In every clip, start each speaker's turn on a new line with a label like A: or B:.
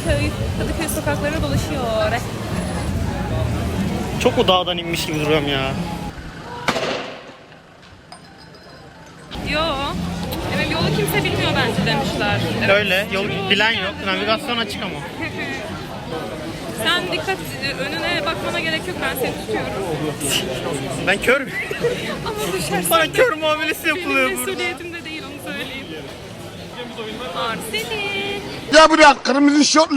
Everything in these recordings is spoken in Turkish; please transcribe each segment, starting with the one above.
A: Kadıköy sokaklarına dolaşıyor.
B: Çok o dağdan inmiş gibi duruyorum ya.
A: Yo. Evet, yolu kimse bilmiyor bence demişler. Evet.
B: Öyle. Yol bilen yok. Navigasyon açık ama.
A: Sen dikkat, önüne bakmana gerek yok, ben seni tutuyorum.
B: Ben körüm.
A: Ama düşersen
B: Bana
A: de
B: kör muamelesi yapılıyor
A: benim
B: burada.
A: mesuliyetim de değil, onu söyleyeyim. Arsene.
C: Ya buraya kırmızı şortlu.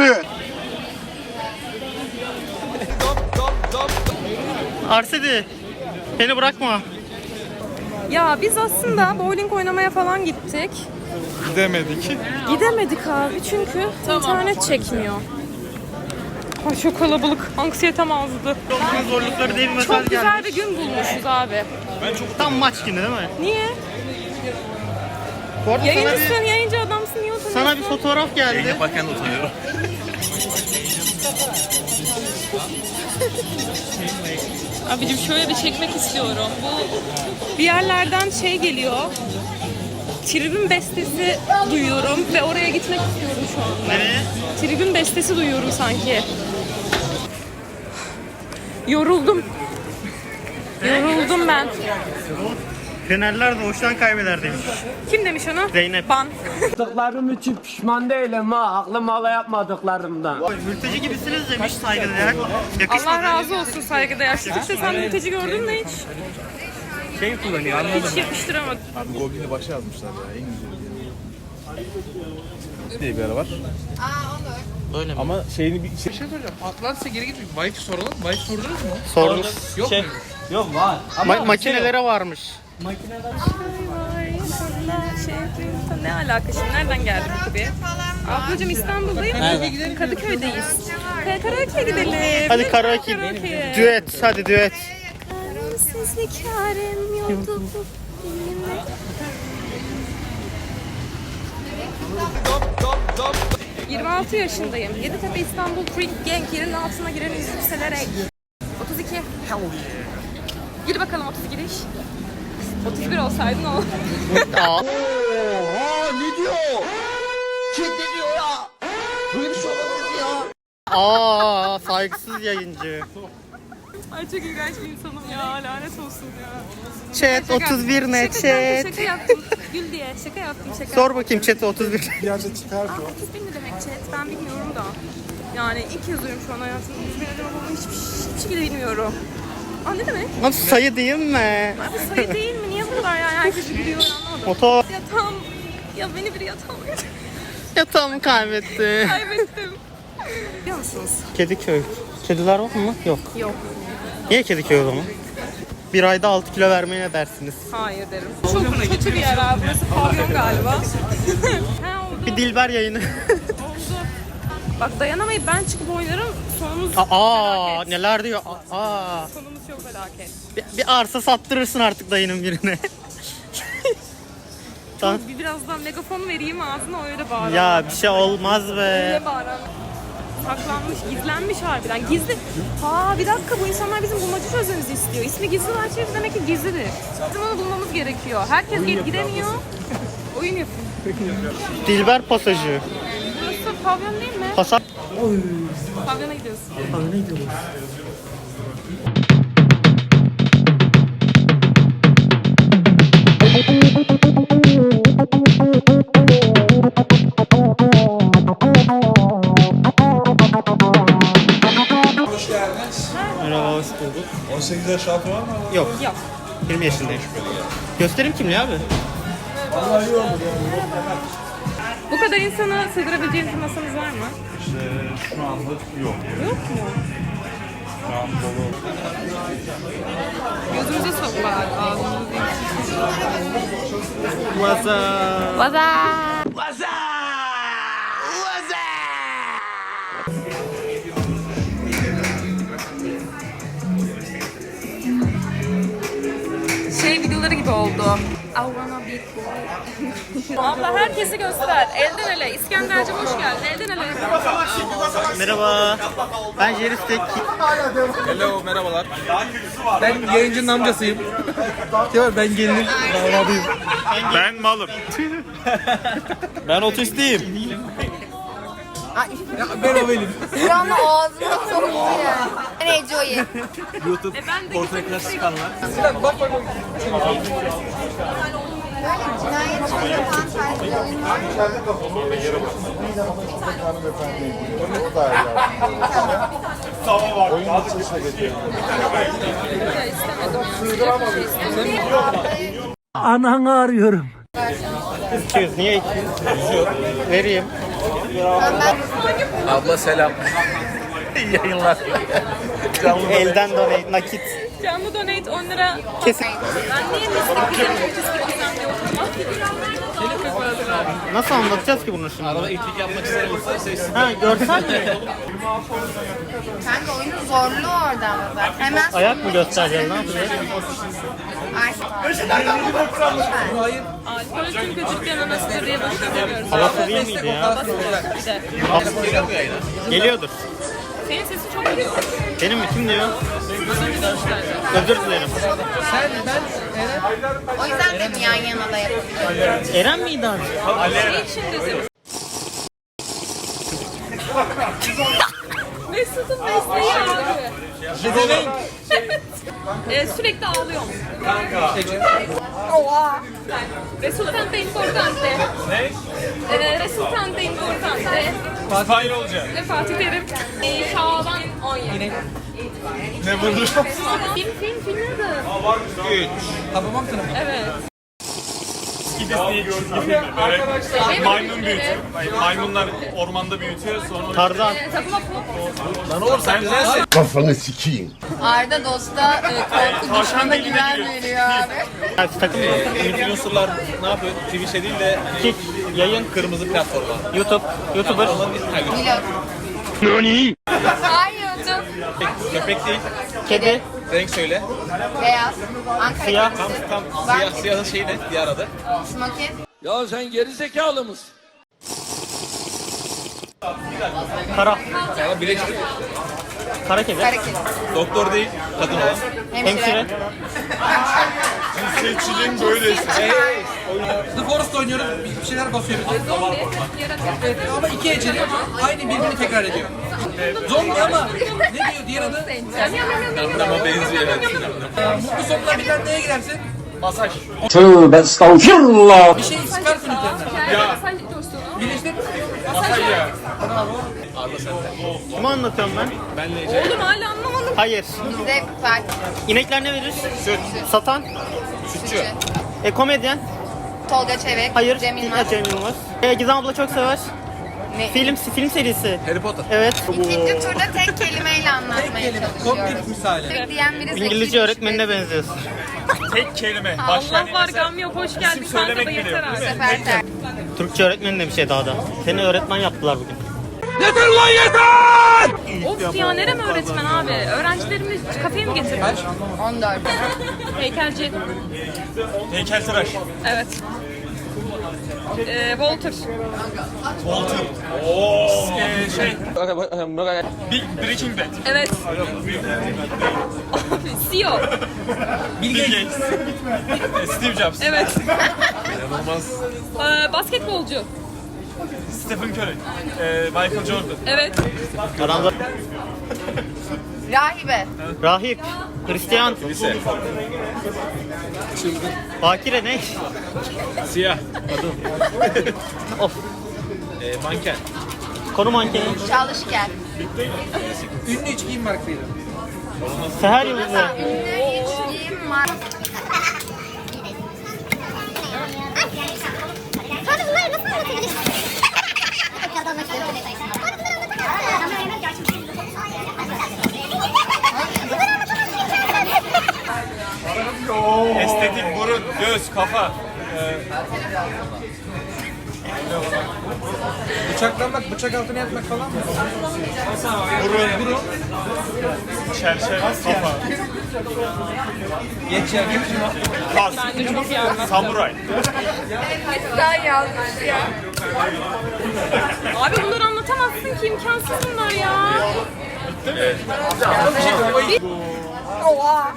B: Arsedi. Beni bırakma.
A: Ya biz aslında bowling oynamaya falan gittik. Gidemedik abi çünkü internet çekmiyor. Ay çok kalabalık. Anksiyetem azdı.
B: Çok zorlukları diye bir mesaj
A: Çok güzel
B: gelmiş.
A: bir gün bulmuşuz abi.
B: Tam maç günü değil mi?
A: Niye?
B: Bu arada
A: Yayıncısın, yayıncı adamsın. Niye utanıyorsun?
B: sana bir fotoğraf geldi.
D: Yaparken de utanıyorum.
A: Abicim şöyle bir çekmek istiyorum. Bu bir yerlerden şey geliyor. Tribün bestesi duyuyorum ve oraya gitmek istiyorum şu anda.
B: Nereye?
A: Tribün bestesi duyuyorum sanki. Yoruldum. Yoruldum ben.
B: Fenerler doğuştan kaybeder demiş.
A: Kim demiş onu?
B: Zeynep.
A: Ban.
E: Yaptıklarım için pişman değilim ha. Aklım hala yapmadıklarımdan.
B: Mülteci gibisiniz demiş saygıdeğer. Yakışmadı.
A: Allah razı olsun saygıdeğer. İşte sen mülteci gördün mü hiç?
B: Şey kullanıyor anladım.
A: Hiç yakıştıramadım.
D: Abi Goblin'i başa yazmışlar ya en güzel diye bir ara var.
B: Öyle mi?
D: Ama şeyini bir şey soracağım. Atlantis'e geri gitmek. Wi-Fi soralım. Wi-Fi sordunuz mu?
B: Sordunuz.
D: Yok mu?
E: Yok var.
B: Makinelere varmış.
A: Ne alaka şimdi? Nereden geldin tabii? Ablacığım İstanbul'dayım. Kadıköy'deyiz. Karaoke'ye gidelim.
B: Hadi karaoke. Düet. Hadi düet.
A: Sizlik yarem yoktu. 26 yaşındayım. Yeditepe İstanbul Freak Gang yerin altına giren yükselerek. 32. Gir bakalım 32 iş. 31 olsaydın o.
B: Aa.
C: Oha ne diyor? Kim ne diyor ya? Böyle bir şey olamaz ya.
B: Aa, saygısız yayıncı.
A: Ay çok iğrenç bir insanım ya. Lanet olsun ya.
B: Chat 31 ne chat?
A: Şaka yaptım. Gül diye. Şaka yaptım şaka.
B: Sor bakayım chat 31.
C: Gerçi çıkardı.
A: 31 ne demek chat? Ben bilmiyorum da. Yani ilk kez duyuyorum şu an hayatımda. 31 ne demek olduğunu hiçbir şekilde bilmiyorum. Aa ne demek?
B: Lan sayı değil mi?
A: Abi sayı değil mi? Niye bu kadar yani? Herkes biliyor anlamadım.
B: Motor.
A: Yatağım. Ya beni bir yatağım
B: Yatağımı kaybetti.
A: kaybettim. Biliyor musunuz?
B: Kediköy. Kediler var mı? Yok.
A: Yok.
B: Niye Kediköy o zaman? Bir ayda 6 kilo vermeye ne dersiniz?
A: Hayır derim. Çok kötü bir yer abi. Burası pavyon galiba. Ha oldu.
B: Bir Dilber yayını.
A: Oldu. Bak dayanamayıp ben çıkıp oynarım. Sonumuz
B: Aa,
A: felaket.
B: neler diyor? Aa.
A: Sonumuz çok felaket.
B: Bir arsa sattırırsın artık dayının birine. Tamam.
A: Birazdan megafon vereyim ağzına öyle bağıran.
B: Ya bir şey olmaz be.
A: Öyle bağıran. Saklanmış, gizlenmiş harbiden. Gizli. Ha bir dakika bu insanlar bizim bulmaca çözmemizi istiyor. İsmi gizli arşiv demek ki gizlidir. Bizim onu bulmamız gerekiyor. Herkes gidemiyor. Oyun yapıyor.
B: Dilber pasajı.
A: Burası pavyon değil mi?
B: Pasaj.
A: Pavyona gidiyoruz.
B: Merhaba, hoş bulduk.
D: 18 yaş altı var mı?
B: Yok,
A: Yok.
B: 20 yaşındayım. Gösterim kimliği abi.
A: Bu kadar insana sığdırabileceğiniz bir masanız var mı?
D: Şu anda yok.
A: Yok mu?
D: Şu an dolu.
A: Gözümüze sok bari ağzımızı değil.
B: What's
A: Vaza! Şey videoları gibi oldu. I wanna be cool. Abla herkesi göster. Elden ele. İskender'cim hoş geldin. Elden ele.
B: Merhaba. Ben Jeristek.
D: Hello, merhabalar.
E: Ben yayıncının amcasıyım. Ben gelinin damadıyım.
D: Ben malım.
E: Ben otistiyim.
D: Ben o benim.
F: Bir anda ağzına soktu ya. Ben Eco'yu.
A: Ben de
B: Ortaya çıkanlar.
D: Sinan bak bak bak.
F: Böyle cinayet çok yapan tarzı bir oyun var mı?
E: Ananı arıyorum.
B: 200 niye 200? Vereyim.
D: Abla selam. Yayınlar.
B: Elden donate nakit.
A: canlı donate 10 lira.
B: Kesin.
A: Ben niye mistik güzel çok istiyorsam diye oturmam.
B: Nasıl anlatacağız ki bunu şimdi?
D: Arada itlik yapmak isteyen olursa sesini.
B: Ha görsel mi?
F: Kanka oyunun zorluğu oradan da. Hemen
B: Ayak mı göstereceğiz ne yapacağız?
D: Hayır.
A: Alkol çünkü cidden anasıdır diye boşuna demiyoruz.
B: Havası değil miydi ya?
A: Bir de.
D: Geliyor mu yayına?
B: Geliyordur.
A: Senin sesin çok geliyor.
B: Benim mi? Kim diyor?
A: Az önce dönüşler.
B: Özür dilerim.
D: Sen, ben, Eren.
F: o yüzden dedim yan yana da yapabiliriz.
B: Eren miydi abi?
A: Şey için dedim. Mesut'un mesleği abi. Sürekli ağlıyorum.
F: Oha.
A: Resultante importante. Ne? Resultante importante.
D: Fatih olacak.
A: Fatih Terim. Şaban 17.
D: Ne buldu?
A: Film adı.
D: Hababam tanımı.
A: Evet.
D: Arkadaşlar.
A: Maymun büyütüyor.
G: Maymunlar ormanda büyütüyor sonra
B: Tarzan.
A: Tapınak mı?
D: Lan oğlum sen güzelsin.
C: Kafanı sikeyim.
F: Arda dosta korku düşmana güven veriyor abi.
B: Ha, takım mı?
D: Influencer'lar ne yapıyor? Twitch'e değil de
B: Kick, yayın,
D: kırmızı platforma.
B: YouTube, YouTuber.
F: Vlog. Hayır YouTube.
D: Köpek değil.
B: Kedi,
D: Renk söyle.
F: Beyaz. Ankara
B: Siyah.
F: kedisi.
D: Tam
F: Ben-
D: siyahın şeyi ne? Diğer adı.
F: Smokin.
E: Ya sen geri zekalı mısın?
B: kara,
D: Ama bileşik.
B: kara kedi,
F: Kara kedi.
D: Doktor değil. Kadın olan.
B: hemşire,
G: cinsiyetçiliğin böylesi.
D: The Forest oynuyoruz. Bir şeyler basıyor bize.
A: Zombi. Yaratık.
D: Ama iki eceli aynı birbirini tekrar ediyor. Zombi ama ne diyor diğer adı? Ama benziyor evet. Mutlu sonuna bir tane neye girersin?
G: Masaj.
E: Tövbe estağfirullah.
D: Bir şey sıkarsın üzerinden.
A: Sen dostum.
D: Birleştir.
G: Masaj ya.
D: Arda sende.
B: kimi anlatıyorum ben?
D: Benle Ece.
A: Oğlum hala anlamadım.
B: Hayır.
F: Bizde Fatih.
B: İnekler ne verir? Süt. Satan?
D: Sütçü.
B: Komedyen?
F: Tolga Çevik.
B: Hayır.
F: Cem Yılmaz.
B: Cem Yılmaz. Gizem abla çok sever.
F: Ne?
B: Film serisi.
D: Harry Potter.
B: Evet.
F: İkinci turda tek kelimeyle anlatmaya çalışıyorum.
D: Komplet misali.
F: Diyen biri zeki
B: İngilizce
F: düşmüş
B: öğretmenine benziyorsun.
G: Tek kelime.
A: Allah var gam yok. Hoş geldin kanka da
G: söylemek bile
A: yeter
G: yok,
A: abi.
F: Bu sefer ter.
B: Türkçe öğretmeni de bir şey daha da. Seni öğretmen yaptılar bugün.
A: Of ya nerem öğretmen abi? Öğrencilerimi kafeye mi getirmiş?
F: 14.
A: Heykelci.
G: Heykeltıraş.
A: Evet. Walter.
G: Walter. Breaking Bad.
A: Evet. Abi CEO.
G: Bill Gates. Steve Jobs.
A: Evet.
D: İnanılmaz.
A: Basketbolcu.
G: Stephen Curry. Michael Jordan.
A: Evet.
B: Adamlar
F: Rahibe.
B: rahip, Hristiyan,
D: Lise.
B: bakire ne?
G: Siyah.
B: Of.
D: Manken.
B: Konu mankeni.
F: Çalışken.
D: Ünlü iç giyim markasıydı.
B: Seher yıldızı.
F: Ünlü içkiyim var.
H: Sonra bunları nasıl anlatabiliriz?
G: Estetik, burun, göz, kafa.
D: Bıçaklanmak, bıçak altına yatmak falan mı?
G: Burun. Çerçeve, kafa.
D: Geç ya, geç.
G: Kas.
A: Bence çok iyi anlattın.
G: Samuray.
F: Sen yazmış ya.
A: Abi bunları anlatamazsın ki imkansız bunlar ya.
F: Oha.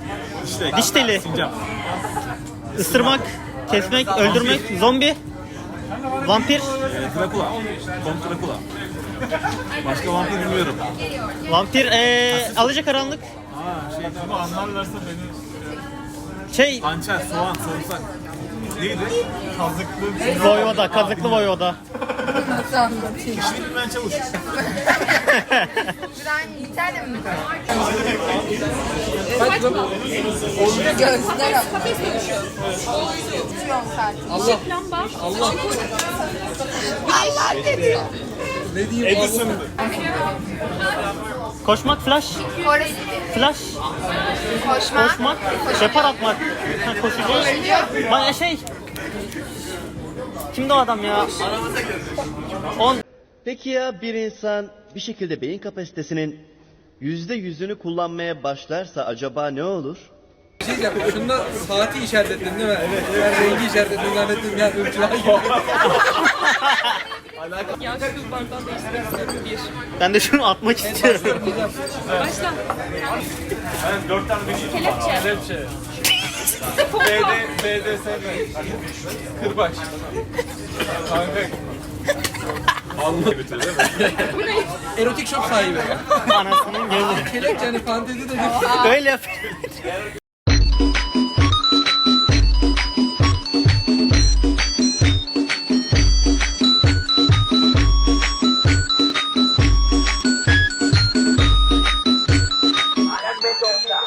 B: Diş teli. Isırmak, kesmek, öldürmek, zombi, Vampir.
G: Drakula. Kont Drakula. Başka vampir bilmiyorum.
B: Vampir Alacakaranlık.
G: Ama anlarlarsa beni...
B: Şey
G: Hançer, soğan, sarımsak. Neydi? Kazıklı.
B: Voyvoda, kazıklı Voyvoda.
G: İşini bilmeyen çavuş.
F: Ben İtalya mı?
A: Kafes dönüşü.
F: Uçuyorum sadece.
D: Allah.
A: Lamba.
D: Allah.
F: Allah dedi.
D: Ne diyeyim?
G: Edison.
B: Koşmak, flash.
F: Forest.
B: Flash.
F: Koşma.
B: Koşmak. Depar atmak. Ha, koşacağız. Bana şey. Kimdi o adam ya? 10.
C: Peki ya bir insan bir şekilde beyin kapasitesinin %100'ünü kullanmaya başlarsa acaba ne olur?
D: Bir şey diyeceğim. Şunda saati işaretledin değil mi? Evet. Ben rengi işaretledim. Zannettim ya. Irkçılar gibi.
A: Ya şu bardağı değiştirmek istiyorum. Bir.
B: Ben de şunu atmak istiyorum.
A: Başla.
G: Ben 4 tane bir
A: Kelepçe.
G: Kelepçe. BDSM. Kırbaç. Kanka. Allah götür değil mi?
D: Erotik shop sahibi.
B: Anasının gözü.
D: Kelepçe hani fantezi de
B: Öyle yapıyor.